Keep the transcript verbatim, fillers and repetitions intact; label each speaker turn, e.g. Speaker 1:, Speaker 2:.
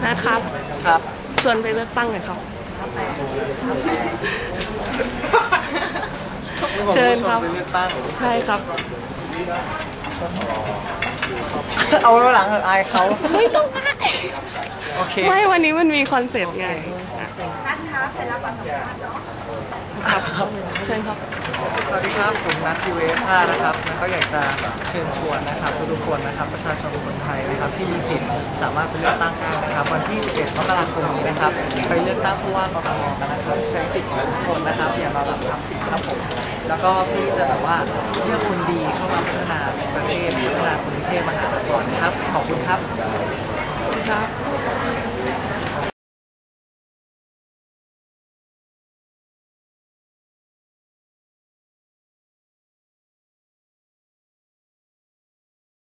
Speaker 1: นะครับ
Speaker 2: ครับ
Speaker 1: ชวนไปเลือกตั้งหน่อยครับเชิญครับ
Speaker 2: ไปเลือกตั้ง
Speaker 1: ใช่ครับ
Speaker 2: เอาไว้หลังเถอะอายเขา
Speaker 1: ไม่ต้องอาย
Speaker 2: โอเค
Speaker 1: ไม่วันนี้มันมีคอนเซ็ปต์ไง
Speaker 3: นัดครับเสร็จแล้วก่อนสัมภาษณ์เนาะ
Speaker 1: ครับเชิญครับ
Speaker 2: สวัสดีครับผมนัททีเวฟห้านะครับแล้วก็อยากจะเชิญชวนนะครับทุกคนนะครับประชาชนคนไทยนะครับที่มีสิทธิ์สามารถไปเลือกตั้งได้นะครับวันที่สิบเอ็ดมกราคมนี้นะครับไปเลือกตั้งผู้ว่ากทมกันนะครับใช้สิทธิ์ของทุกคนนะครับอย่ามาแบบทับสิทธิ์ครับผมแล้วก็เพื่อที่จะแบบว่าเลือกคนดีเข้ามาพัฒนาประเทศพัฒนากรุงเทพมหานครนะครับขอบคุณครับ
Speaker 1: ครับ